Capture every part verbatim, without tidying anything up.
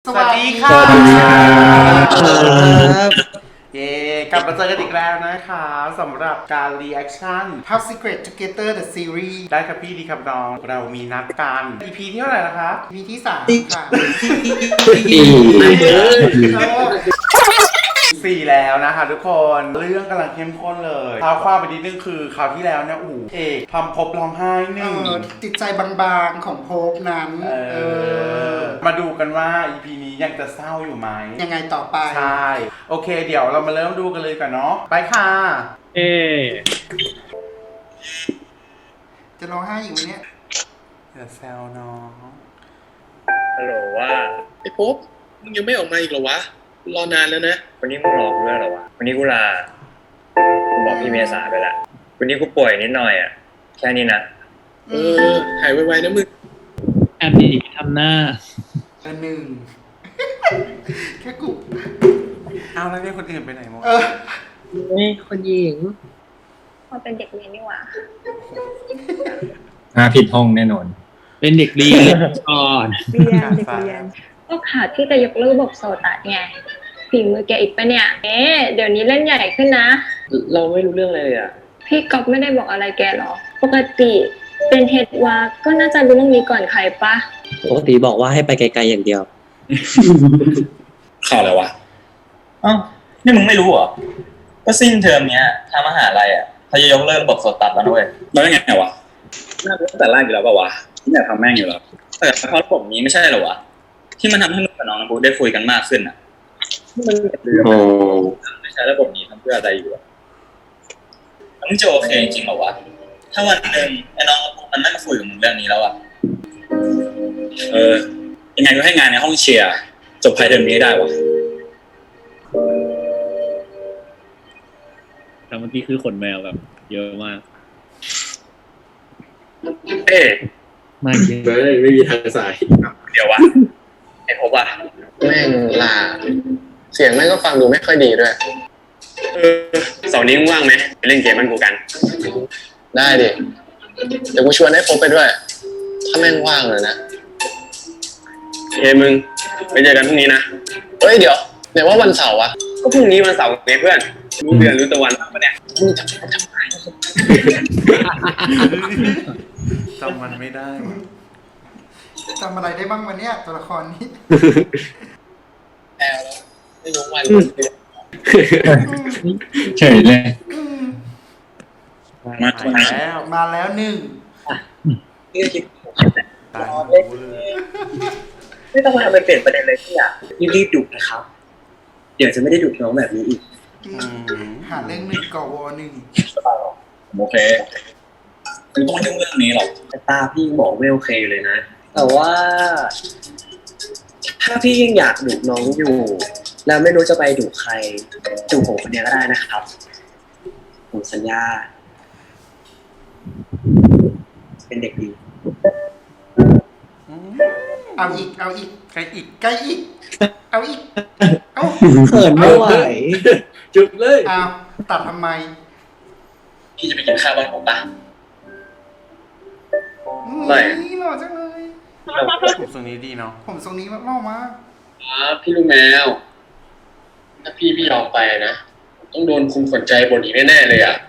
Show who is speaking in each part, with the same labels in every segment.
Speaker 1: สวัสดีค่ะ
Speaker 2: สวัสดีครับ
Speaker 1: เย้กลับมาเจอกันอีกแล้วนะคะสำหรับการ reaction Top Secret Together the Series ได้ครับพี่ดีครับน้องเรามีนัดกัน อี พี ที่เท่าไหร่นะคะ อี พี ที่สามค่ะสี่แล้วนะคะทุกคนเรื่องกำลังเข้มข้นเลยเท้าความไปนิดนึงคือคราวที่แล้วเนี่ยอู๋เอกทำพบร้องไห้หนึ่งจิตใจบางๆของพบนั้นเออมาดูกันว่า อี พี นี้ยังจะเศร้าอยู่ไหมยังไงต่อไปใช่โอเคเดี๋ยวเรามาเริ่มดูกันเลยกันเนาะไปค่ะ
Speaker 2: เอ
Speaker 1: จะร้องไห้อีกไหมเนี่ยอย่าแซวน้อง
Speaker 3: ฮัลโหลว่าไอ้พบมึงยังไม่ออกมาอีกเหรอวะรอนานแล้วนะวันนี้มึงรอกูด้วยเหรอวะวันนี้กูลากูบอกพี่เมษาไปละวันนี้กูป่วยนิดหน่อยอ่ะแค่นี้นะเออหายไวๆนะมึง
Speaker 2: แอบดีทำหน้า
Speaker 1: อันหนึ่งแค่กูเอาแล้วเนี่ยคนอื่นไปไหนหมด
Speaker 2: นี่คนหญิง
Speaker 4: พอเป็นเด็กเรียนนี่หว่า
Speaker 5: มาผิดห้องแน่นอน
Speaker 2: เป็นเด็กเรียนก่อน
Speaker 4: เรียนเด็กเรียนก็ขาดที่จะยกเลิกบอกโซตัสไงฝีมือแกอีกปะเนี่ยเอ๊ะเดี๋ยวนี้เล่นใหญ่ขึ้นนะ
Speaker 3: เราไม่รู้เรื่องเลยอ่ะ
Speaker 4: พี่ก๊อฟไม่ได้บอกอะไรแกหรอปกติเป็นเฮดวาก็น่าจะรู้เรื่องนี้ก่อนใครปะ
Speaker 6: ปกติบอกว่าให้ไปไกลๆอย่างเดียว
Speaker 3: ข่าวอะไรวะอ้าวนี่มึงไม่รู้เหรอก็สิ้นเทอมเนี้ยทางมหาลัยอ่ะเขาจะยกเลิกระบบโซตัสแล้วด้วยแล้วยังไงวะน่าจะตั้งแต่แรกอยู่แล้วป่าวะที่อยากทำแม่งอยู่แล้วแต่เพราะระบบนี้ไม่ใช่หรอวะที่มันทำให้มึงกับน้องน้ำบูได้คุยกันมากขึ้นอ่ะมันไม่ใช่ระบบนี้ทำเพื่ออะไรอยู่อ่ะมึงจะโอเคจริงเหรอวะถ้าวันหนึ่งไอ้น้องน้ำบูมันไม่มาคุยกับมึงเรื่องนี้แล้วอ่ะเออยังไงก็ให้งานในห้องเชียร์จบภายในเดือนนี้ได้วะ
Speaker 2: แต่เมื่อกี้คือขนแมวแบบเยอะมาก
Speaker 3: เอ๊ะ
Speaker 2: ไม่เยอะ
Speaker 5: ไม่ไม่มีทางสาย
Speaker 3: เดี๋ยววะไอ้พบอ่ะ
Speaker 7: แม่งลาเสียงแม่งก็ฟังดูไม่ค่อยดีด้วย
Speaker 3: เออเสาร์นี้มึงว่างไหมไปเล่นเกมมันกูกัน
Speaker 7: ได้ดิเดี๋ยวกูชวนให้พบไปด้วยถ้าแม่งว่างเลยนะ
Speaker 3: เฮ้มึงไปเจอกันพรุ่งนี้นะ
Speaker 7: เฮ้ยเดี๋ยวไหนว่าวันเสาร์วะ
Speaker 3: ก็พรุ่งนี้วันเสาร์ไงเพื่อนรู้เดือนรู้ตะวันปะเนี่ย
Speaker 7: มึงจำจำไม
Speaker 1: จำมันไม่ได้จำอะไรได้บ้างวันเนี้ยตัวละครนี้
Speaker 7: แอลแล้วไม่รู้วัน
Speaker 5: เฉยเลย
Speaker 1: มาแล้วมาแล้วหนึ่ง
Speaker 7: นี่คิด
Speaker 1: ตายเลย
Speaker 3: ไม่ต้องมาทำเป็นเปลี่ยนประเด็นเลยพี่อ่ะรีบๆดุนะครับเดี๋ยวจะไม่ได้ดุน้องแบบนี้อีก
Speaker 1: หาเรื่องหนึ่งก่อวอหนึ่ง
Speaker 3: โอเคไม่ต้องยุ่งเรื่องนี้หรอกแต่ตาพี่บอกไม่โอเคเลยนะแต่ว่าถ้าพี่ยังอยากดุน้องอยู่แล้วไม่รู้จะไปดุใครดุผมคนเดียวก็ได้นะครับผมสัญญาเป็นเด็กดี
Speaker 1: เอาอีกเอาอีกใครอีกใครอีกเอาอีกเอา
Speaker 6: เขินไม่ไหว
Speaker 5: จุดเลย
Speaker 1: เอาตัดทำไม
Speaker 3: พี่จะไปกินข้าวบ้านผมปะ
Speaker 1: ไม่หล่อจังเลยผมทรงนี้ดีเนาะผมทรงนี้หล่อมาก
Speaker 7: ครับพี่ลูกแมวถ้าพี่พี่ยอมไปนะต้องโดนคุมขนใจบนอีกแน่ๆเลยอ่ะ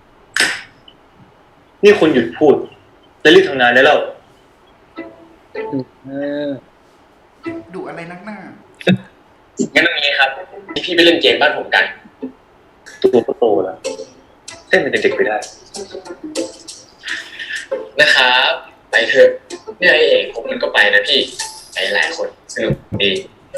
Speaker 3: นี่คุณหยุดพูดจะรีบทำงานได้แล้ว
Speaker 1: ดุอะไรนักหน้า
Speaker 7: งั้นตรงนี้ครับพี่ไปเล่นเกมบ้านผมกัน
Speaker 3: ตัวโตแล้วเต้นเป็นเด็กๆไปได้
Speaker 7: นะครับไปเถอะเนี่ยไอเอกผมมันก็ไปนะพี่ไปหลายคนสนุกดี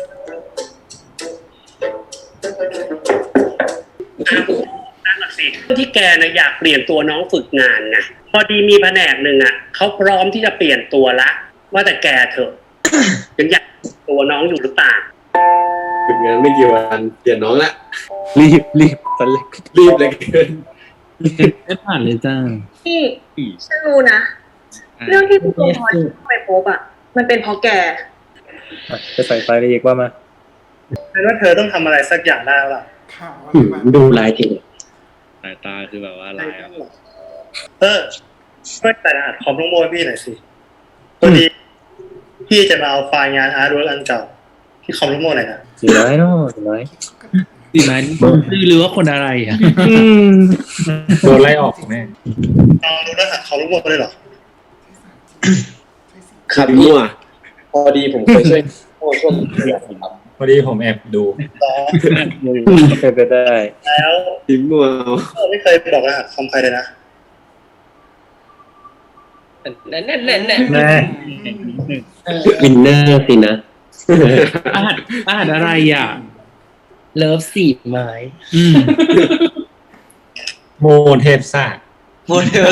Speaker 8: นั่นแหละสิที่แกนะอยากเปลี่ยนตัวน้องฝึกงานไงพอดีมีแผนกหนึ่งอ่ะเขาพร้อมที่จะเปลี่ยนตัวละว่าแต่แกเถอะยังอยากตัวน้องอยู่หรือเปล่า
Speaker 5: ฝึกงานไม่กี่วันเปลี่ยนน้องละ
Speaker 6: รีบรีบตอนเล็ก
Speaker 5: รีบเลยเกิน
Speaker 2: ไม่ผ่านเลยจ้า
Speaker 4: พี่ฉันรู้นะเรื่องที่พี่ตัวพอไปพบอ่ะมันเป็นเพราะแก
Speaker 6: จะใส่ไฟเลยอีกว่ามา
Speaker 8: แปลว่าเธอต้องทำอะไรสักอย่างได้แล้วล่ะ
Speaker 6: ดูลายที
Speaker 2: สายตาคือแบบว่าลาย
Speaker 8: เออช่วยแต่รหัสคอมทั้งหมดพี่หน่อยสิพอดีพี่จะมาเอาไฟล์งานอาร์ตเวิร์กอันเก่าที่เขารู้หมดอะไรนะ
Speaker 6: สี่ร้อยเนาะสี่ร้อย
Speaker 2: ดีไหมหรือว่าคนอะไรอ่ะ
Speaker 6: โดนไล่ออกแน่
Speaker 8: เรารู้รหัสเขารู้หมดเลยเหรอ
Speaker 5: ขับมั่ว
Speaker 3: พอดีผมเคยช่วยช่วงช่วงเรียนครับ
Speaker 6: พอดีผมแอบดู
Speaker 8: ต่อ
Speaker 6: เป็นไปได้
Speaker 8: แล้ว
Speaker 5: ทิ้งมั่วเอา
Speaker 8: เราไม่เคยบอกรหัสคอมใครเลยนะ
Speaker 2: แน่แน่แน่แน่
Speaker 6: แน่
Speaker 5: วินเนอร์สินะ
Speaker 2: อาหารอาหารอะไรอ่ะ
Speaker 9: เลิฟสี่ไม้
Speaker 2: อืม
Speaker 6: โมเทพศาสตร์
Speaker 9: โมเดล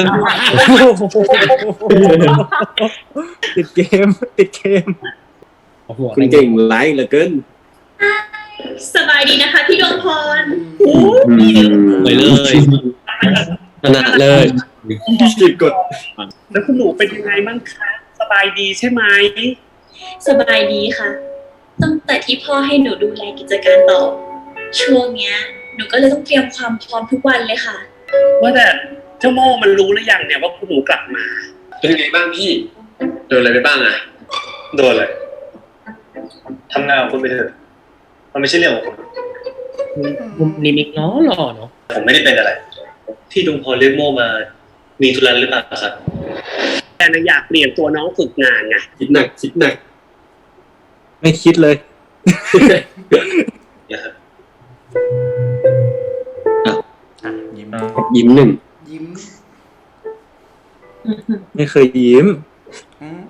Speaker 6: ติดเกม ติดเกม
Speaker 5: คุณเก่งไลฟ์เหลือเกิน
Speaker 4: สบายดีนะคะพี่ดวงพร
Speaker 2: ไปเลย
Speaker 5: ขนาดเลย
Speaker 6: ติดกด
Speaker 8: แล้วคุณหนูเป็นยังไงบ้างคะสบายดีใช่ไหม
Speaker 4: สบายดีค่ะ ตั้งแต่ที่พ่อให้หนูดูแลกิจการต่อ ช่วงเนี้ย หนูก็เลยต้องเตรียมความพร้อมทุกวันเลยค่ะ
Speaker 8: ว่าแต่เจ้าโม่มันรู้หรือยังเนี่ยว่าคุณหนูกลับมา
Speaker 7: เป็นยังไงบ้างพี่โดนอะไรไปบ้างอ่ะ
Speaker 3: โดนเลยทำงานของคุณไปเถอะมันไม่ใช่เรื่องของผม
Speaker 9: มุมนิมิกเนาะหล่อเนาะ
Speaker 3: ผมไม่ได้เป็นอะไร ที่ดวงพรเรียกโม่มามีธุระหรือเปล่าครับ
Speaker 8: แกน่ะอยากเปลี่ยนตัวน้องฝึกงานไง
Speaker 5: คิดหนักคิดหนัก
Speaker 6: ไม่คิดเลย
Speaker 3: นะครับ
Speaker 1: อ่ะยิ้ม
Speaker 5: ยิ้มหนึ่ง
Speaker 1: ยิ้ม
Speaker 6: ไม่เคยยิ้ม
Speaker 1: อืม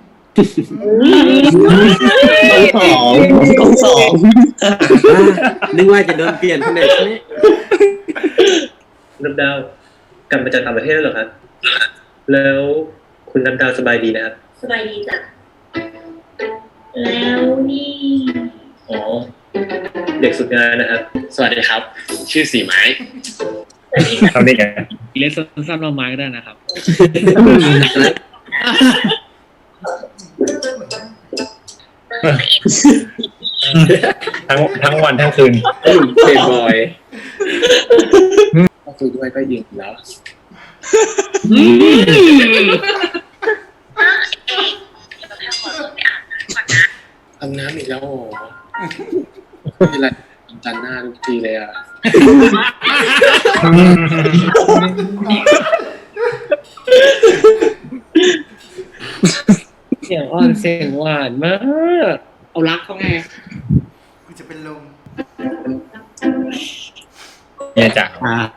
Speaker 6: สอง
Speaker 5: กองสองนึกว่าจะโดนเปลี่ยนที่ไหนใช่ไหม
Speaker 3: น้ำดาวกลับมาจากต่างประเทศแล้วเหรอครับ แล้วคุณน้ำดาวสบายดีนะครับ
Speaker 4: สบายดีจ้ะ แล้วนี่
Speaker 3: อ๋อ เด็กฝึกงานนะครับ
Speaker 7: สวัสดีครับ ชื่อสีไม้
Speaker 6: ทำได้ไง
Speaker 2: เล็กสั้นๆเราไม้ก็ได้นะครับ
Speaker 6: ทั้งทั้งวันทั้งคืน
Speaker 5: เพย์บอย
Speaker 7: ก็คุยด้วยก็ยิงแล้ว อาบน้ำอีกแล้วโอ้โหนี่แหละจันหน้าทุกทีเลยอ่ะ
Speaker 9: เสียงอ่อนเสียงหวานมาก
Speaker 8: เอารักเขาไง
Speaker 1: กูจะเป็นลม
Speaker 6: เนี่ยจ้ะ
Speaker 2: อ่า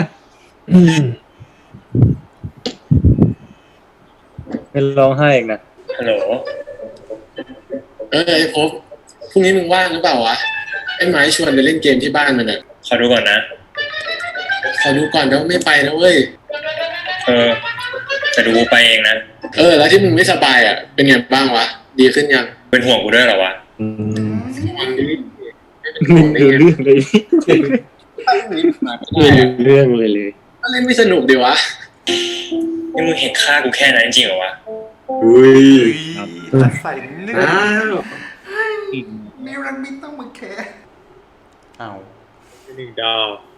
Speaker 6: ไม่ร้องไห้อีกนะ
Speaker 3: ฮัลโหล
Speaker 7: เออไอ้พบพรุ่งนี้มึงว่างหรือเปล่าวะ ไอ้ไม้ชวนไปเล่นเกมที่บ้านมันอ่ะ
Speaker 3: ขอดูก่อนนะ
Speaker 7: ขอดูก่อนแล้วไม่ไปนะเว้ย
Speaker 3: เออแต่ดูกูไปเองนะ
Speaker 7: เออ แล้วที่มึงไม่สบายอ่ะ เป็นไงบ้างวะ ดีขึ้นยัง
Speaker 3: เป็นห่วงกูด้วยเหรอวะ
Speaker 7: มันดี
Speaker 6: ไม่รู้เรื่องเลย
Speaker 5: ไม่รู้เรื่องเลยเลย
Speaker 7: ก็เล่นไม่สนุกดีวะ
Speaker 3: นี่มึงเห็นค่ากูแค่นั้นจริงเหรอวะ
Speaker 5: อุ้ย
Speaker 1: ตัดใส่เนื้อ
Speaker 5: อ้าว
Speaker 1: นิรันดร์มิตต้องมาแคร์เอา
Speaker 6: หนึ่งดาว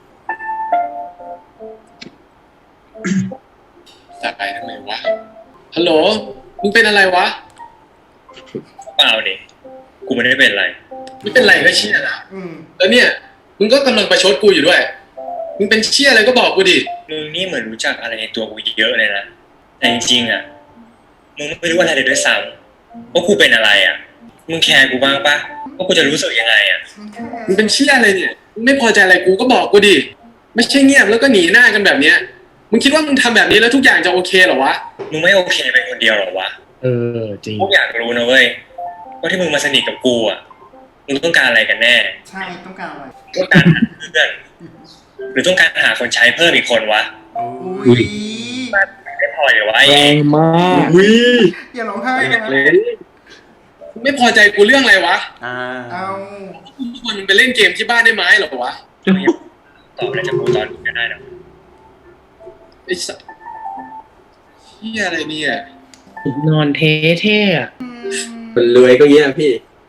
Speaker 7: สบายทำไมวะ ฮัลโหล มึงเป็นอะไรวะ
Speaker 3: เปล่าดิกูไม่ได้เป็นอะไร
Speaker 7: ไม่เป็นไรก็เชี่ยนะ
Speaker 1: อืม
Speaker 7: แล้วเนี่ย มึงก็กำลังประชดกูอยู่ด้วย มึงเป็นเชี่ยอะไรก็บอกกูดิ
Speaker 3: มึงนี่เหมือนรู้จักอะไรในตัวกูเยอะเลยนะ แต่จริงๆอ่ะ มึงไม่รู้อะไรเลยด้วยซ้ำว่ากูเป็นอะไรอ่ะ มึงแคร์กูบ้างปะว่ากูจะรู้สึกยังไงอ่ะ
Speaker 7: มึงเป็นเชี่ยอะไรเนี่ย มึงไม่พอใจอะไรกูก็บอกกูดิ ไม่ใช่เงียบแล้วก็หนีหน้ากันแบบเนี้ย มึงคิดว่ามึงทำแบบนี้แล้วทุกอย่างจะโอเคเหรอวะ
Speaker 3: มึงไม่โอเคเป็นคนเดียวเหรอวะ
Speaker 9: เออจริง
Speaker 3: พวกอยากรู้นะเว้ยว่าที่มึงมาสนิทกับกูอ่ะ มึงต้องการอะไรกันแน่
Speaker 1: ใช่ต้องการอะไร
Speaker 3: ต้องการหาเพื่อนหรือต้องการหาคนใช้เพิ่มอีกคนวะ
Speaker 1: อุ้ย
Speaker 3: ไม่พอเลยวะไอ้
Speaker 9: แรงมาก
Speaker 5: อุ้ย
Speaker 1: อย่าร้องไห้นะ
Speaker 5: เลย
Speaker 7: มึงไม่พอใจกูเรื่องอะไรวะ
Speaker 1: อ่าเอา
Speaker 7: ทุกคนมึงไปเล่นเกมที่บ้านได้ไหมเหรอวะ
Speaker 3: ตอบอะไรจากกูตอนนี้ก็ได้นะ
Speaker 7: ไอ้สัสเชี่ยอะไรเนี่ย
Speaker 9: นอนเท่เท่อะ
Speaker 5: คนรวยก็เงี้ยพี่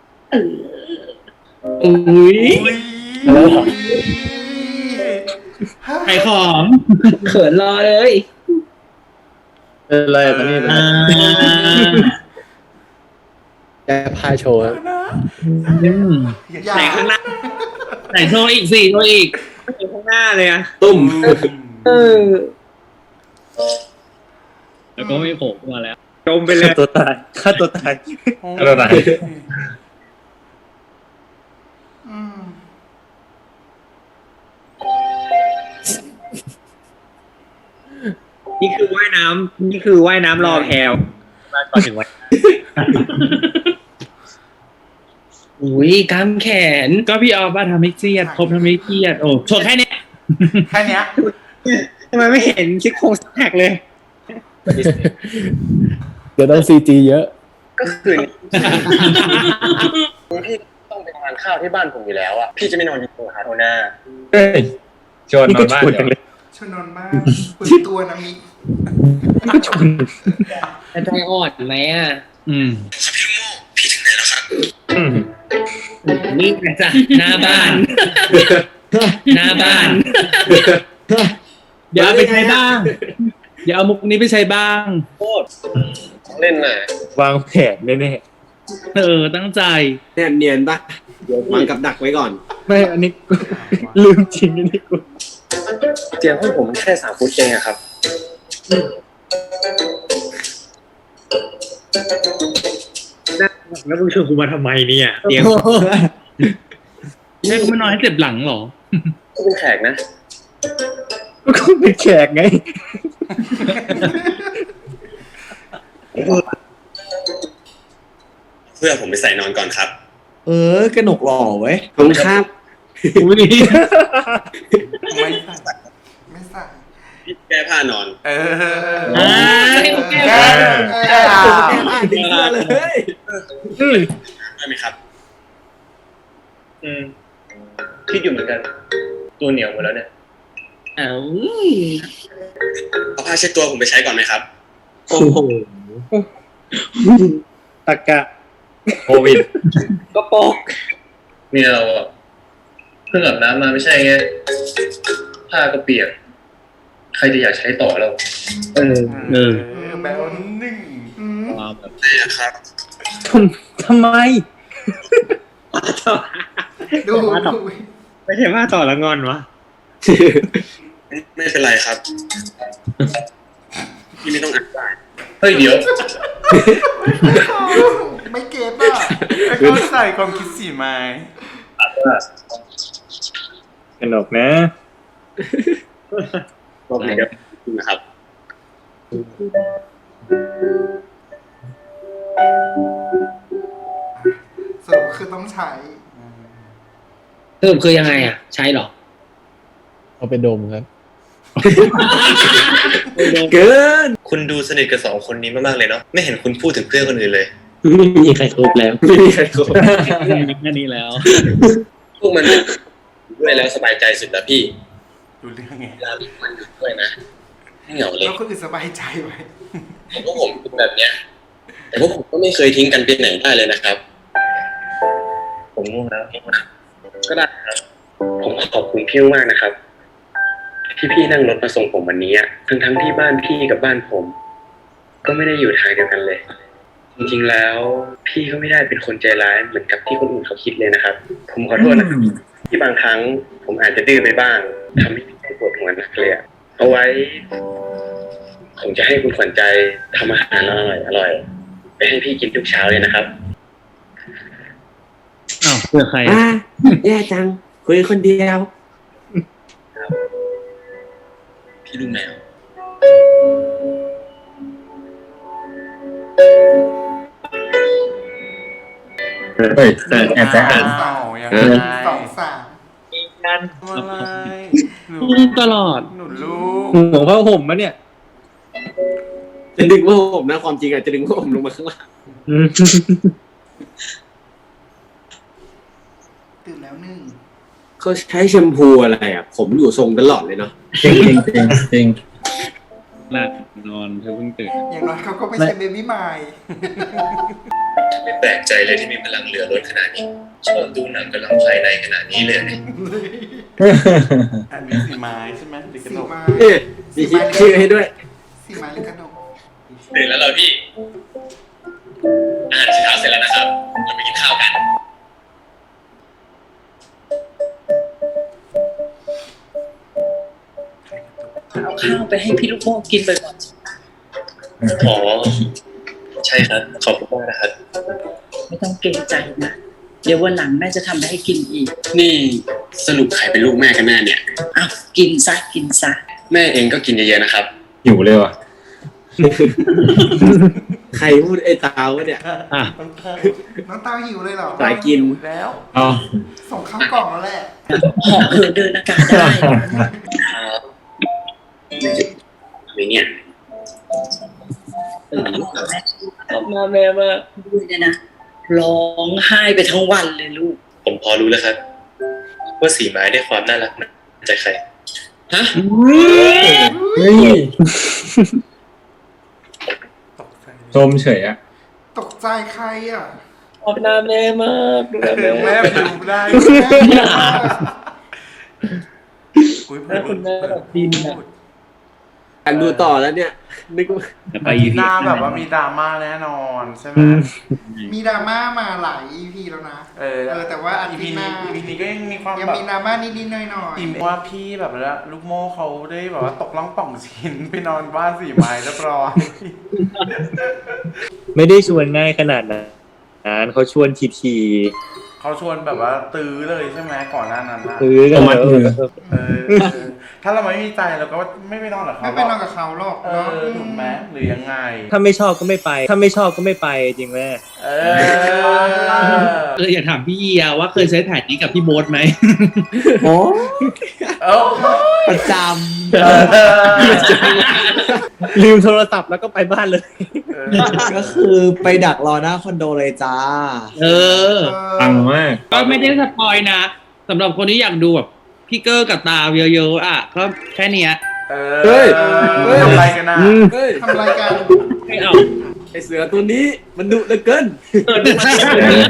Speaker 9: อุ้ย
Speaker 1: อุ้ย
Speaker 2: ไข่ของ
Speaker 9: เขินรอเลย
Speaker 6: เป็นไรตอนนี้
Speaker 2: อ่า
Speaker 6: แกพาโชว์
Speaker 1: นะ
Speaker 2: อืม
Speaker 1: อย่า
Speaker 9: ไหนข้างหน้า
Speaker 2: ไหนโชว์อีกสี่โชว์อีก
Speaker 9: ไม่เห็นข้างหน้าเลยอะ
Speaker 5: ตุ้ม
Speaker 9: เออ
Speaker 2: แล้วก็ไม่โผล่ขึ้นมาแล้ว
Speaker 9: จมไปเลย
Speaker 6: ฆ่าตัวตายฆ่าตัวตาย ฆ่าตัวตาย
Speaker 1: อืม
Speaker 9: นี่คือว่ายน้ำนี่คือว่ายน้ำรอแพลวมาก่อนถึงวันอุ้ยกล้ามแขน
Speaker 2: ก็พี่ออฟว่าทำให้เครียดครบทำให้เครียดโอ้โชว์แค่เนี้ย
Speaker 1: แค่เนี้ย
Speaker 9: ทำไมไม่เห็นซิกโครงซิกแพคเลย
Speaker 6: เดี๋ยวต้องซีจีเยอะ
Speaker 7: ก็คือพี่ต้องไปทานข้าวที่บ้านผมอยู่แล้วอ่ะพี่จะไม่นอนอยู่ตรงหาโทน่า
Speaker 6: เฮ้ยชวนนอนบ้านเดี๋ยว
Speaker 1: ชวนนอนมากปืนตัวนะมิ
Speaker 6: ก็ชวน
Speaker 9: ใจอ่อนไหมอ่ะ
Speaker 2: อืม
Speaker 7: พี่ถึงไหนแล้วครับ
Speaker 6: อืม
Speaker 9: นี่ไงจ้ะหน้าบ้าน หน้าบ้าน
Speaker 2: เดี๋ยวเอาไปใช้บ้าง เดี๋ยวเอามุกนี้ไปใช้บ้าง
Speaker 7: โคตรของเล่นน่ะ
Speaker 6: วางแผนแน่
Speaker 2: เออตั้งใจ
Speaker 5: แนบเนียนปะวางกับดักไว้ก่อน
Speaker 6: ๆไม่อันนี้ ลืมจริงอันนี้กู
Speaker 7: เตียงห้องผมแค่สามฟุตเองอะครับ
Speaker 9: แล้วมึงชวนกูมาทำไมเนี่ยเตียง
Speaker 2: แม่กูไม่นอนให้เจ็บหลังเหรอ
Speaker 7: ก็เป็นแขกนะ
Speaker 6: ก็เป็นแขกไง
Speaker 3: เพื่อผมไปใส่นอนก่อนครับ
Speaker 5: เออกระหนกหล่อเว้ยขอบคุณครับ
Speaker 2: อุ้ย
Speaker 1: ไม่ใส่ไม่ใส่
Speaker 3: พี่แก้ผ้านอน
Speaker 1: เออ
Speaker 2: อ่า
Speaker 1: แก้แก้แก้
Speaker 5: ดีเสื้อเลย
Speaker 3: ได้ไหมครับ
Speaker 7: อืมคิดอยู่เหมือนกัน ตัวเหนียวหมดแล้วเนี่ย
Speaker 2: เอ้า
Speaker 3: เอาผ้าเช็ดตัวผมไปใช้ก่อนไหมครับ
Speaker 5: โอ้โห
Speaker 6: ตะกะโควิด
Speaker 9: ก็ปก
Speaker 7: นี่เราอะเพิ่งอาบน้ำมาไม่ใช่ไงผ้าก็เปียก ใครจะอยากใช้ต่อแล้ว
Speaker 9: เออ
Speaker 2: เออ
Speaker 1: แบบหนึ่งอืม
Speaker 2: ความแบบ
Speaker 3: ได้ครับ
Speaker 6: ทำไม
Speaker 1: ดูดู
Speaker 9: ไม่ใช่ว่าต่อละงอนวะ
Speaker 3: ไม่เป็นไรครับ พี่ไม่ต้องอ่านได้
Speaker 7: เฮ้ยเดี๋ยว
Speaker 1: ไม่เก็ตอ่ะไม่เข้าใจความคิดสีไม้
Speaker 6: สนุกนะ
Speaker 3: บอกเลยครับนะครับ
Speaker 1: สรุปคือต้องใช้
Speaker 9: สรุปคือยังไงอ่ะ ใช้เหรอ
Speaker 6: เอาไปดมครับ
Speaker 5: เกิน
Speaker 3: คุณดูสนิทกับสองคนนี้มากๆเลยเนาะ ไม่เห็นคุณพูดถึงเพื่อนคนอื่นเลย
Speaker 5: ไม่มีใครครบแล้ว ไม่มีใครครบ
Speaker 2: แค่นี้แล้ว
Speaker 3: พวกมันด้วยแล้วสบายใจสุดแล้วพี่
Speaker 1: ดูเรื่องไง
Speaker 3: เวลาที่มันอยู่ด้วยนะไม่เหงาเลย
Speaker 1: แล้วคนอื่นสบายใจไหม
Speaker 3: แต่พวกผมเป็นแบบเนี้ย แต่พวกผมก็ไม่เคยทิ้งกันไปไหนได้เลยนะครับ
Speaker 7: ผมง่วงแล้วก็ได้ครับ ผมขอบคุณพี่มากนะครับ ที่พี่นั่งรถมาส่งผมวันนี้อะทั้งทั้งๆที่บ้านพี่กับบ้านผม ก็ไม่ได้อยู่ทางเดียวกันเลย จริงๆแล้ว พี่ก็ไม่ได้เป็นคนใจร้ายเหมือนกับที่คนอื่นเขาคิดเลยนะครับ ผมขอโทษนะครับที่บางครั้ง ผมอาจจะดื้อไปบ้างทำให้พี่ปวดหัวหนักเลยอะเอาไว้ ผมจะให้คุณขวัญใจทำอาหารอร่อยอร่อยๆไปให้พี่กินทุกเช้าเลยนะครับ
Speaker 2: อ้าวเพื่อใคร
Speaker 5: อ่ะแย่จัง คุยคนเดียว
Speaker 3: พี่ลูกแมว
Speaker 6: เฮ้ยแต่แอบแต่อ่าน
Speaker 1: สองยัง
Speaker 5: เอ
Speaker 1: ไง
Speaker 5: อ
Speaker 1: สองสาม
Speaker 9: นั่น
Speaker 1: อะไรหนู
Speaker 2: ตลอด
Speaker 1: หนูลูก
Speaker 6: หัวผ้าห่มมะเนี่ย
Speaker 5: จะดึงผ้าห่มนะความจริงอ่ะจะดึงผ้าห่มลงมาข้างล่าง
Speaker 1: ตื่นแล้วหนึ่ง
Speaker 5: เขาใช้แชมพูอะไรอ่ะ ผมอยู่ทรงตลอดเลยเนาะ
Speaker 6: จริงจริงจริงจริง
Speaker 2: หลับนอนเธอเพิ่งตื่น
Speaker 1: อย่างน้อยเขาก็ไม่ใช่เบบี้มาย
Speaker 3: ไม่แปลกใจเลยที่มีพลังเหลือล้นขนาดนี้ ชอบดูหนังกำลังภายในขนาดนี้เลยเนี่ย
Speaker 1: อันนี้สีไม้ใช่ไหมหรือกระ
Speaker 5: สี
Speaker 1: ดก
Speaker 5: ไม้เอ๊ะมีคิดชื่อให้ด้วย
Speaker 1: สีไม้หรือกระดก
Speaker 3: ตื่นแล้วเหรอพี่ อาหารเช้าเสร็จแล้วนะครับ เราไปกินข้าวกัน
Speaker 9: ข้าวไปให้พี่ลูกโม่กินบ่อย
Speaker 7: อ๋อ ใช่ครับ ขอบคุณมากนะครับ
Speaker 9: ๆไม่ต้องเกรงใจนะเดี๋ยววันหลังแม่จะทำให้กินอีก
Speaker 7: นี่สรุปใครเป็นลูกแม่กันแน่เนี่ย
Speaker 9: อ้าวกินซะกินซะ
Speaker 7: แม่เองก็กินเยอะๆนะครับ
Speaker 6: หิวเลยว่ะ
Speaker 5: ใครพูดไอ้ตาวะเนี่ย
Speaker 6: อ่ะ
Speaker 1: น้องตาหิวเลยเหรอ
Speaker 5: สายกิน
Speaker 1: แล้ว
Speaker 6: อ๋อ
Speaker 1: ส่งข้าวกล่องแล้วแหละ
Speaker 9: เหาะเหินเดินอากาศได้
Speaker 7: ครับอะไรเนี่ย
Speaker 9: ชอบมาแม่มากดูเนี่ยนะร้องไห้ไปทั้งวันเลยลูก
Speaker 7: ผมพอรู้แล้วครับ ว่าสีไม้ได้ความน่ารักมาจากใคร ฮะ
Speaker 6: เฮ้ย
Speaker 1: ตกใจ
Speaker 6: ชมเฉยอะ
Speaker 1: ตกใจใครอ่ะ
Speaker 9: ชอบหน้าแม่มากดูแลแม่
Speaker 1: แม่
Speaker 9: มาก
Speaker 1: ดูได้คุยพูด
Speaker 9: คุณแม่แบบดินอะ
Speaker 5: อยากดูต่อแล้วเนี่ย นึกว่า
Speaker 2: ไปอีพี
Speaker 1: หน้าแบบว่ามีดราม่าแน่นอนใช่ไหม
Speaker 10: มีดราม่ามาหลาย อี พี แล้วนะ
Speaker 1: เออ
Speaker 10: เออแต่ว่าอา
Speaker 1: อี
Speaker 10: ทิ
Speaker 1: พี
Speaker 10: ตย์ห
Speaker 1: นี้
Speaker 10: น้า
Speaker 1: อีพีนี้ก็ยังมีความ
Speaker 10: ยัง
Speaker 1: แบบ
Speaker 10: มีดราม่านิดๆหน่อย
Speaker 1: อิ่มว่าพี่แบบว่าลูกโม่เขาได้แบบว่าตกล่องป่องชิ้นไปนอนบ้านสี่ไม้เรียบร้อย
Speaker 6: ไม่ได้ชวนง่ายขนาดนั้นเขาชวนทีที
Speaker 1: เขาชวนแบบว่าตื้อเลยใช่ไหมก่อนหน้านั้นนะ
Speaker 6: ซื้อกันมาเออ
Speaker 1: เออเออถ้าเราไม่มีใจเราก็ไม่ไปนอนกับ
Speaker 10: ๆ
Speaker 1: เขา
Speaker 10: ไม่ไปนอนกับเขาหรอก
Speaker 1: เอ
Speaker 10: เนาะ
Speaker 1: อถูกไหมหรือยังไง
Speaker 6: ถ้าไม่ชอบก็ไม่ไป ถ้าไม่ชอบก็ไม่ไปจริงแม่
Speaker 1: เออ
Speaker 2: เอออยากถามพี่เยียว่าเคยใช้แผนนี้กับพี่โบ๊ทไหม
Speaker 5: โอ้
Speaker 1: เอ้า
Speaker 5: ประจ
Speaker 1: เออ
Speaker 6: ลืมโทรศัพท์แล้วก็ไปบ้านเลย
Speaker 1: เออ
Speaker 5: ำ ก็คือไปดักรอหน้าคอนโดเลยจ้า
Speaker 2: เออ
Speaker 6: ปังมาก
Speaker 2: ก็ไม่ได้สปอยนะสำหรับคนที่อยากดูแบบพี่เกอร์กับตาเยอะๆอ่ะก็แค่เนี้ย
Speaker 1: เอ
Speaker 5: เฮ้ย
Speaker 1: อทำอะไรกันนะ
Speaker 5: เฮ้ย
Speaker 10: ทำรายการ
Speaker 2: ไม่เอา
Speaker 5: ไอเสือตัวนี้มันดุเหลือเกิน
Speaker 2: เออดูมาสิ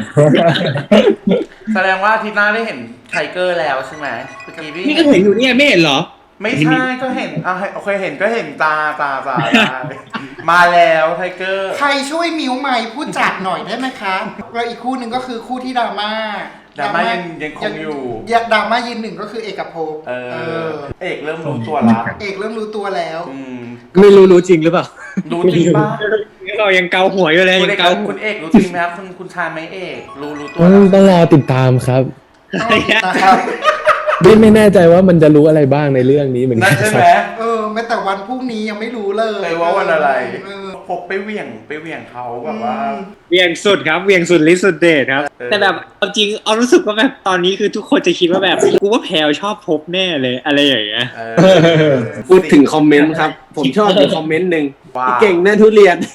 Speaker 1: แสดงว่าอาทิตย์หน้าได้เห็นไทเกอร์แล้วใช่ไหมเมื่อกี้พี่
Speaker 2: นี่ก็เห็นอยู่เนี่ยไม่เห็นเหรอ
Speaker 1: ไม่ใช่ก็เห็นอ่ะโอเคเห็นก็เห็นตาตาตาได้มาแล้วไทเกอร์
Speaker 10: ใครช่วยมิวใหม่พูดจัดหน่อยได้ไหมคะแล้วอีกคู่หนึ่งก็คือคู่ที่ดราม่า
Speaker 1: ดราม่ายังยังคงอยู่
Speaker 10: อยากดราม่ายืนหนึ่งก็คือเอกภพ
Speaker 1: เอ
Speaker 10: เอ
Speaker 1: อ
Speaker 10: อ
Speaker 1: เอกเริ่มรู้ตัวละ
Speaker 10: เอกเริ่มรู้ตัวแล้ว
Speaker 1: อืม
Speaker 5: ไม่รู้รู้จริงหรือเปล่า
Speaker 1: รู้จริงป่ะ
Speaker 6: เรายังเกาหัวอยู่เลย
Speaker 1: คุณ
Speaker 6: ยั
Speaker 1: เอง ก
Speaker 6: เกา
Speaker 1: คุณเอกรู้จริงไหมครับคุณคุณชายไหมเอกรู้รู้ตัว
Speaker 11: ต้อง
Speaker 1: แล้ว
Speaker 11: ต้องรอติดตามครับ
Speaker 10: นะครับ
Speaker 11: ไม่ไม่แน่ใจว่ามันจะรู้อะไรบ้างในเรื่องนี้เหมือน
Speaker 1: นั่
Speaker 11: กัน น
Speaker 1: ใช่
Speaker 11: ค
Speaker 1: ไหม
Speaker 11: รับ
Speaker 10: เออแม้แต่วันพรุ่งนี้ยังไม่รู้เลย
Speaker 1: เลยว่าวันอะไร
Speaker 10: เออ
Speaker 1: พบไปเหวี่ยงไปเหวี่ยงเขาแบบว่า
Speaker 6: เวียงสุดครับเวียงสุดลิสุดเดชครับ
Speaker 1: เออ
Speaker 6: แต่แบบเอาจริงเอารู้สึกว่าแบบตอนนี้คือทุกคนจะคิดว่าแบบกูว่าแพลวชอบพบแน่เลยอะไรอย่างเงี้ย
Speaker 1: เออ
Speaker 5: พูดถึงคอมเมนต์ครับ ผมชอบมีคอมเมนต์หนึ่ง
Speaker 1: ว่า
Speaker 5: พี่เก่งแน่ทุเรียน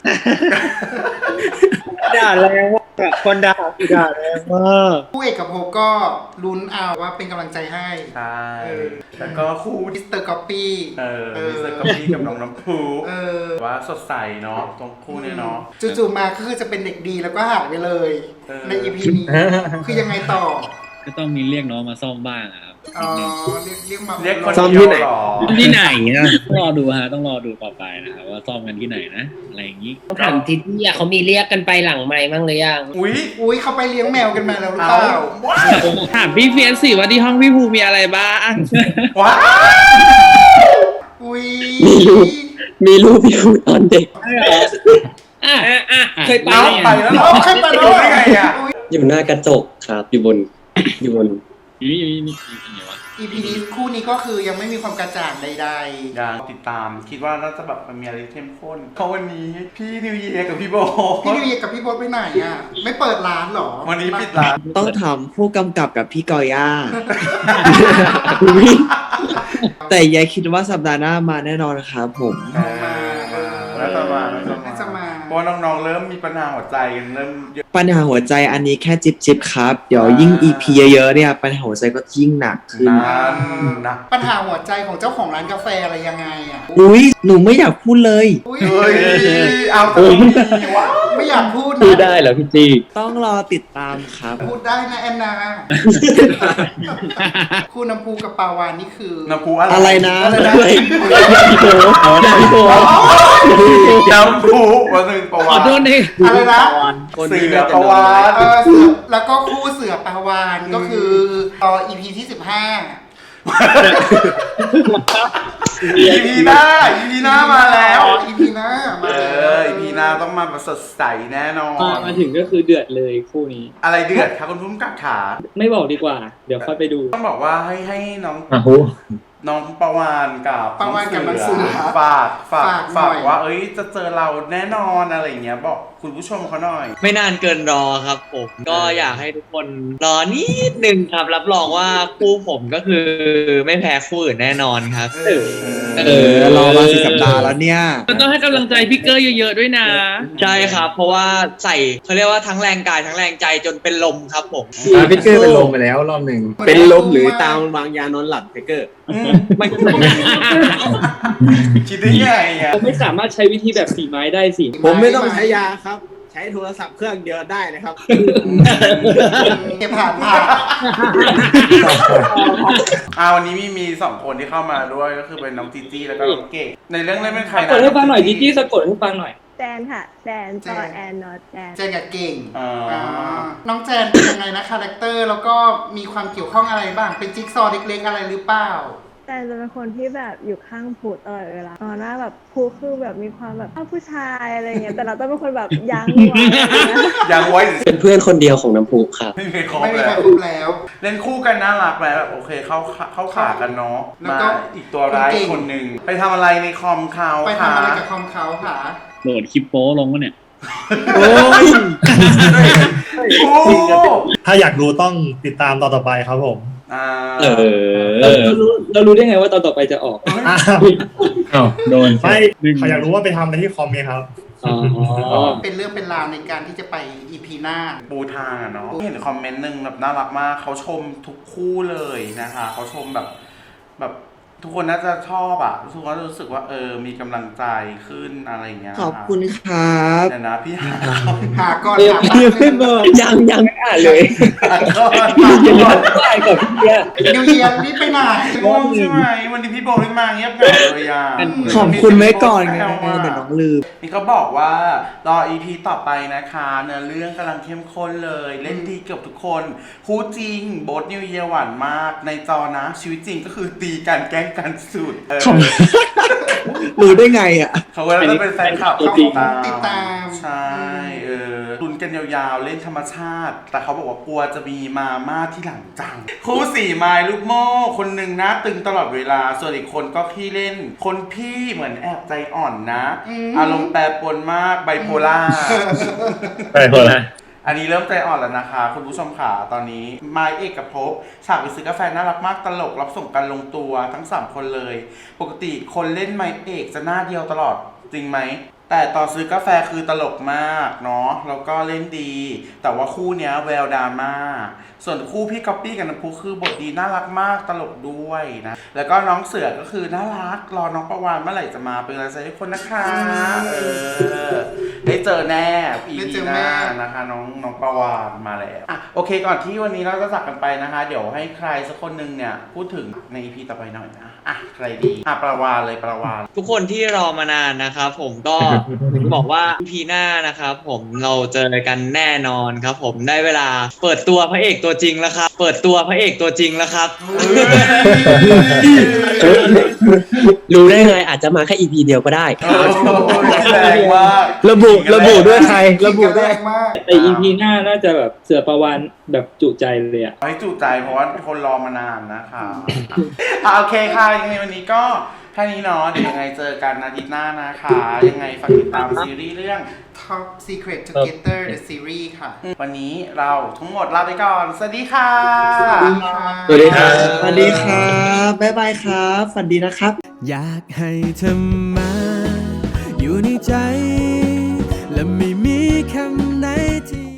Speaker 6: ด่าแรงมากคนด่าด่าแรงมาก
Speaker 10: คู่เอกภพก็ลุ้นเอาว่าเป็นกำลังใจให้
Speaker 1: ใช่
Speaker 10: เออ
Speaker 1: แล้วก็คู่
Speaker 10: มิ
Speaker 1: ที่
Speaker 10: สเตอร์ก๊อปปี้
Speaker 1: เออ
Speaker 10: เออ
Speaker 1: มิสเตอร์กับพี่กับน้องน้ำพู
Speaker 10: เออ
Speaker 1: ว่าสดใสเนาะตรงคู่เนี่ยเนาะ
Speaker 10: จู่ๆมาก็คือจะเป็นเด็กดีแล้วก็หายไปเลย
Speaker 1: เออ
Speaker 10: ในอีพีนี้ คือยังไงต่อ
Speaker 2: ก็ต้องมีเรียกน้องมาซ่อมบ้างอะครับ
Speaker 10: อ๋อเรียกเรียกมา
Speaker 1: เรียกคน
Speaker 5: ซ่อม
Speaker 1: เดี
Speaker 5: ที่
Speaker 1: ยว
Speaker 5: ไหน
Speaker 1: เหรอ
Speaker 2: ที่ไหนนะต้องรอดูฮะต้องรอดูต่อไปนะครับว่าซ่อมกันที่ไหนนะอะไรอย่างนี้
Speaker 9: ถามทิศเนี่ยเขามีเรียกกันไปหลังไม้บ้างหรือยัง
Speaker 1: อุ้ย
Speaker 10: อุ้ยเขาไปเลี้ยงแมวกันมาแล้วหรือ
Speaker 1: เอา
Speaker 10: เปล่า
Speaker 1: ว้า
Speaker 2: ถามพี่เฟียสสิว่าที่ห้องพี่ภูมีอะไรบ้าง
Speaker 1: ว้า
Speaker 10: อุ้ย
Speaker 5: มีรูป มีรูปอยู่ตอนเด็ก
Speaker 2: อ่ะอ่ะเคยไป
Speaker 1: เอา
Speaker 2: เนี่ย
Speaker 1: ไปแล้วเหรอ
Speaker 10: เอาขึ้นมาแล้ว
Speaker 1: ได้ไงอ่ะ
Speaker 5: อยู่หน้ากระจกครับ อยู่บน อยู่บน
Speaker 2: อยู่นี่อยู่นี่อยู่นี่วะ
Speaker 10: อีพีนี้คู่นี้ก็คือยังไม่มีความกระจ่างใด
Speaker 1: ยังติดตามคิดว่าน่าจะแบบมันมีอะไรเข้มข้นเพราะวันนี้พี่นิวเยียร์กับพี่โบ
Speaker 10: ๆ พี่นิวเยียร์กับพี่โบ๊ทไปไหนอ่ะ ไม่เปิดร้านเหรอ
Speaker 1: วันนี้ปิดร้าน
Speaker 5: ต้องถามผู้กำกับกับพี่กอย่า แต่ยายคิดว่าสัปดาห์หน้ามาแน่นอนครับผม
Speaker 1: เออน่าจะมาน่าจะ
Speaker 10: น่าจะ
Speaker 1: มา
Speaker 10: มา
Speaker 1: เพราะว่าน้องๆเริ่มมีปัญหาหัวใจกันเริ่มเยอะ
Speaker 5: ปัญหาหัวใจอันนี้แค่จิบจิบๆครับ เดี๋ยวยิ่ง อี พี เยอะๆเนี่ย ปัญหาหัวใจก็ยิ่งหนักขึ้น
Speaker 1: นั่นนะ
Speaker 10: ปัญหาหัวใจของเจ้าของร้านกาแฟอะไรยังไงอ่ะ
Speaker 5: อุ้ยหนูไม่อยากพูดเลย
Speaker 10: อุ๊ย
Speaker 1: เฮ้ยเอาแต่ต้องมีวะ
Speaker 10: ไม่อยากพูด
Speaker 6: พูด
Speaker 10: นะ
Speaker 6: ได้เหรอพี่จี
Speaker 5: ต้องรอติดตามครับ
Speaker 10: พูดได้นะแอนนา คู่น้ำพูกับปาวานนี่คือ
Speaker 1: น้ำพุอะไร
Speaker 5: อะไรนะ
Speaker 10: อะไรนะ
Speaker 6: พี่โบพี่โบ
Speaker 1: น้ำพุวันหนึ่งประ
Speaker 2: ข
Speaker 1: วั
Speaker 2: อ
Speaker 1: ติ
Speaker 2: โทษดิ
Speaker 10: อะไรนะ
Speaker 5: คน
Speaker 1: เสื
Speaker 5: นี้
Speaker 1: อ
Speaker 5: น่าจะ
Speaker 1: ประวัติ
Speaker 10: เออเสือแล้วก็คู่เสือปาวานก็คือตอ อี พี ที่สิบห้า
Speaker 1: อีพีหน้าอีพีหน้ามาแล้ว
Speaker 10: อีพีหน้า
Speaker 1: เอออีพีหน้าต้องมาแบบสดใสแน่นอน
Speaker 6: มามาถึงก็คือเดือดเลยคู่นี้
Speaker 1: อะไรเดือดคะคุณพุ่มกับขา
Speaker 6: ไม่บอกดีกว่า เดี๋ยวค่อยไปดู
Speaker 1: ต้องบอกว่าให้ให้น้อง
Speaker 11: อ่ะโห
Speaker 1: น้องประวานกับ
Speaker 10: ประวานกับน้องเสือ
Speaker 1: ฝากฝาก
Speaker 10: ฝากหน่
Speaker 1: ฝา
Speaker 10: อก ย
Speaker 1: ว่า เอ้ยจะเจอเราแน่นอนอะไรอย่างเงี้ยบอกคุณผู้ชมเขาหน่อย
Speaker 12: ไม่นานเกินรอครับผมก็อยากให้ทุกคนรอนิดนึงครับ รับรองว่าคู่ผมก็คือไม่แพ้คู่อื่นแน่นอนครับ
Speaker 5: เออรอมาสิสัปดาห์แล้วเนี่ย
Speaker 2: ก็ต้องให้กำลังใจพี่เกอร์เยอะๆด้วยนะ
Speaker 12: ใช่ครับ เพราะว่าใส่เขาเรียกว่าทั้งแรงกายทั้งแรงใจจนเป็นลมครับผม
Speaker 11: อ่ะพี่เกอร์เป็นลมไปแล้วรอบหนึ่งเป็นลมหรือตามวางยานอนหลับพี่เกอร์
Speaker 12: ไม่
Speaker 1: คิดได้ไงอ่ะ
Speaker 6: ผมไม่สามารถใช้วิธีแบบสีไม้ได้สิ
Speaker 11: ผมไม่ต้องใช้ยาครับ ใช้โทรศัพท์เครื่องเดียวได้นะครับ
Speaker 10: เก็บผ่านผ่าน
Speaker 1: อ่าวันนี้มีมีสองคนที่เข้ามาด้วยก็คือเป็นน้องจีจี้แล้วก็น้องเก๋ในเรื่องเล่นเป็นใคร
Speaker 6: สะ
Speaker 1: นะ
Speaker 6: กดให้ฟังหน่อยจีจี้สะกดให้ฟังหน่อย
Speaker 13: แจนค่ะแจนต่อแอนนอตแจน
Speaker 10: เจนกับเก่ง
Speaker 1: อ่า
Speaker 10: อ่าน้องแจนเป็นยังไงนะคาแรคเตอร์แล้วก็มีความเกี่ยวข้องอะไรบ้างเป็นจิ๊กซอว์เล็กๆอะไรหรือเปล่า
Speaker 13: แจนจะเป็นคนที่แบบอยู่ข้างผูตลอดเวลาตอนหน้าแบบผูคือแบบมีความแบบอ้าวผู้ชายอะไรเงี้ยแต่เราต้องเป็นคนแบบยั้งไว้อะไรเงี้ย
Speaker 1: ยังไว้
Speaker 5: เป็นเพื่อนคนเดียวของน้ำพุครับ
Speaker 1: ไม่มีครบ
Speaker 10: ไม่มี
Speaker 1: แล้
Speaker 10: ใคร
Speaker 1: ว
Speaker 10: พูดแล้ว
Speaker 1: เล่นคู่กันน่ารักแล้วแบบโอเคเข้าเข้าขากันเนาะ
Speaker 10: แล้ว
Speaker 1: มา
Speaker 10: ก็
Speaker 1: อีกตัวร้าย
Speaker 10: คุณเก่ง
Speaker 1: คนหนึ่งไปทำอะไรในคอมเขา
Speaker 10: ไป
Speaker 1: ค่ะ
Speaker 10: ทำอะไรกับคอมเขาค่ะ
Speaker 6: โหลดคลิปโป้ลงวะเนี่ย
Speaker 1: โอ้ยโอ้
Speaker 14: ถ้าอยากรู้ต้องติดตามตอนต่อไปครับผม
Speaker 1: อ่า
Speaker 6: เออเรารู้เรารู้ได้ไงว่าตอนต่อไปจะออก
Speaker 14: อ้าว
Speaker 11: อ้าวโดน
Speaker 14: ไม่เขาอยากรู้ว่าไปทำอะไรที่คอมเมนต์ครับ
Speaker 6: อ๋อ
Speaker 10: เป็นเรื่องเป็นราวในการที่จะไปอีพีหน้า
Speaker 1: ปูทางอะเนาะเห็นคอมเมนต์หนึ่งแบบน่ารักมากเขาชมทุกคู่เลยนะคะเขาชมแบบแบบทุกคนน่าจะชอบอ่ะทุกคนรู้สึกว่าเออมีกำลังใจขึ้นอะไรอย่างเงี้ย
Speaker 5: ขอบคุณครับ
Speaker 1: เดี๋ยวนะพี่หา
Speaker 10: หาก่อน
Speaker 6: เออ
Speaker 10: หา
Speaker 6: พี่ไม่บอก
Speaker 5: ยังยังไม่อ่านเลย
Speaker 1: หาก่อน
Speaker 6: ยังไม่ได้กับพี่อะ
Speaker 10: นิวเยียร์นี่ไปไหน
Speaker 1: ง่วงใช่ไหมวันนี้พี่โบไม่มาเงียบเหงาเลยอ่ะ
Speaker 5: ขอบคุณไว้ก่อนไงเดี๋ยวน้องลืม
Speaker 1: นี่เขาบอกว่ารอ อี พี ต่อไปนะคะเนื้อเรื่องกำลังเข้มข้นเลย เล่นดีเกือบทุกคนคู่จริงโบ๊ทนิวเยียร์หวานมากในจอนะ ชีวิตจริงก็คือตีกันแกล้งกันสุดเออ
Speaker 5: รู้ได้ไงอ่ะ
Speaker 1: เขาก็จะเป็นแฟนคลับ
Speaker 10: เขา
Speaker 1: ติดตาม
Speaker 10: ติดตาม
Speaker 1: ใช่เออลุ้นกันยาวๆเล่นธรรมชาติ แต่เขาบอกว่ากลัวจะมีมาม่าที่หลังจัง คู่สี่ไม้ลูกโม่คนหนึ่งหน้าตึงตลอดเวลาส่วนอีกคนก็ขี้เล่น คนพี่เหมือนแอบใจอ่อนนะ อารมณ์แปรปรวนมากไบโพล่า
Speaker 14: ไปคนละ
Speaker 1: อันนี้เริ่มใจอ่อนแล้วนะคะ คุณผู้ชมค่ะตอนนี้ไมค์เอกกับภพฉากไปซื้อกาแฟน่ารักมากตลกรับส่งกันลงตัวทั้งสามคนเลย ปกติคนเล่นไมค์เอกจะหน้าเดียวตลอดจริงไหมแต่ตอนซื้อกาแฟคือตลกมากเนาะแล้วก็เล่นดี แต่ว่าคู่เนี้ยแววดราม่าส่วนคู่พี่ก๊อปปี้กับน้ำพุคือบทดีน่ารักมากตลกด้วยนะแล้วก็น้องเสือก็คือน่ารักรอน้องประวานเมื่อไหร่จะมาเป็นกำลังใจให้คนนะคะเออได้เจอแน่อี
Speaker 10: ได้เจ
Speaker 1: พี
Speaker 10: อ
Speaker 1: ห
Speaker 10: แน่
Speaker 1: น้านะคะน้องน้องประวานมาแล้วอ่ะโอเคก่อนที่วันนี้เราจะจากกันไปนะคะ เดี๋ยวให้ใครสักคนหนึ่งเนี่ยพูดถึงใน อี พี ต่อไปหน่อยนะอ่ะใครดีอ่ะประวานเลยประวาน
Speaker 12: ทุกคนที่รอมานานนะครับผมก็ บอกว่า อี พี หน้านะครับผมเราเจอกันแน่นอนครับผมได้เวลาเปิดตัวพระเอกตัวจริงแล้วครับเปิดตัวพระเอกตัวจริงแล้วครับ
Speaker 5: รู้ได้ไงอาจจะมาแค่ อี พี เดียวก็ได้
Speaker 1: โอ้ยแรงมาก
Speaker 11: ระบุระบุด้วยใครระบุ
Speaker 10: แร
Speaker 11: ด้วย
Speaker 10: งมาก
Speaker 6: แต่ อี พี หน้าน่าจะแบบเสือประวันแบบจุใจเลยอะ
Speaker 1: ให้จุใจเพราะว่าคนรอมานานนะคะอ่ะโอเคค่ะยังไงวันนี้ก็แค่นี้เนาะเดี๋ยวยังไงเจอกันอาทิตย์หน้านะคะยังไงฝากติดตามซีรีส์เรื่อง
Speaker 10: Top Secret Together the series ค่ะ
Speaker 1: วันนี้เราทั้งหมดลาไปก่อน สวัสดีค่ะ
Speaker 10: สวัสดีค่ะ
Speaker 11: สวัสดีครับ
Speaker 5: สวัสดีครับบ๊ายบายครับฝันดีนะครับ
Speaker 15: อยากให้เธอมาอยู่ในใจ และไม่มีคำไหนที่